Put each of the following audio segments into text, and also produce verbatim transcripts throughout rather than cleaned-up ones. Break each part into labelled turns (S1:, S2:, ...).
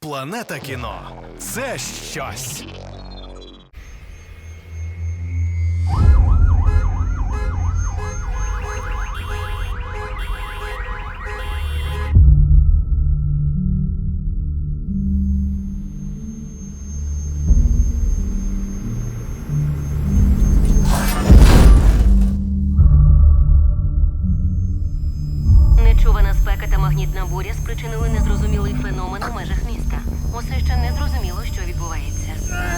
S1: Планета кіно – це щось.
S2: Нечувана спека та магнітна буря спричинили незрозумілий феномен у межах міста. Усе ще не зрозуміло, що відбувається.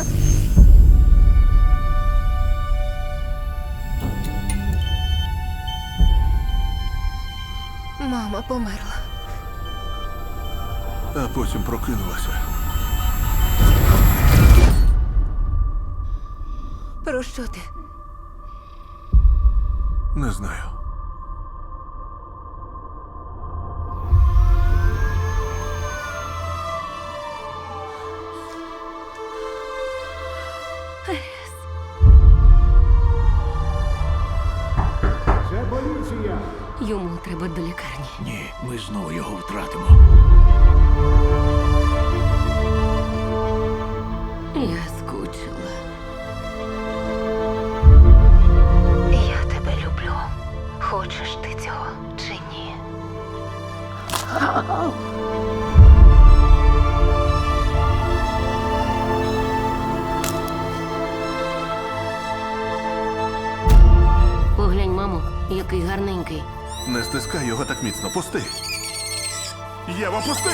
S3: Мама померла.
S4: А потім прокинулася.
S3: Про що ти?
S4: Не знаю.
S5: Це поліція!
S2: Йому треба до лікарні.
S4: Ні, ми знову його втратимо.
S2: Я скучила.
S3: Я тебе люблю. Хочеш ти цього чи ні?
S2: Поглянь, мамо, який гарненький.
S4: Не стискай його так міцно. Пусти. Єва, пусти!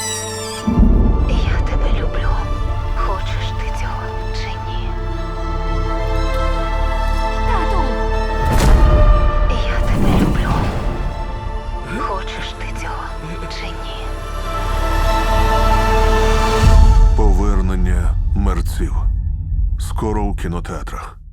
S3: Я тебе люблю. Хочеш ти цього чи ні?
S2: Тату!
S3: Я тебе люблю. Хочеш ти цього чи ні?
S4: Повернення мерців. Скоро у кінотеатрах.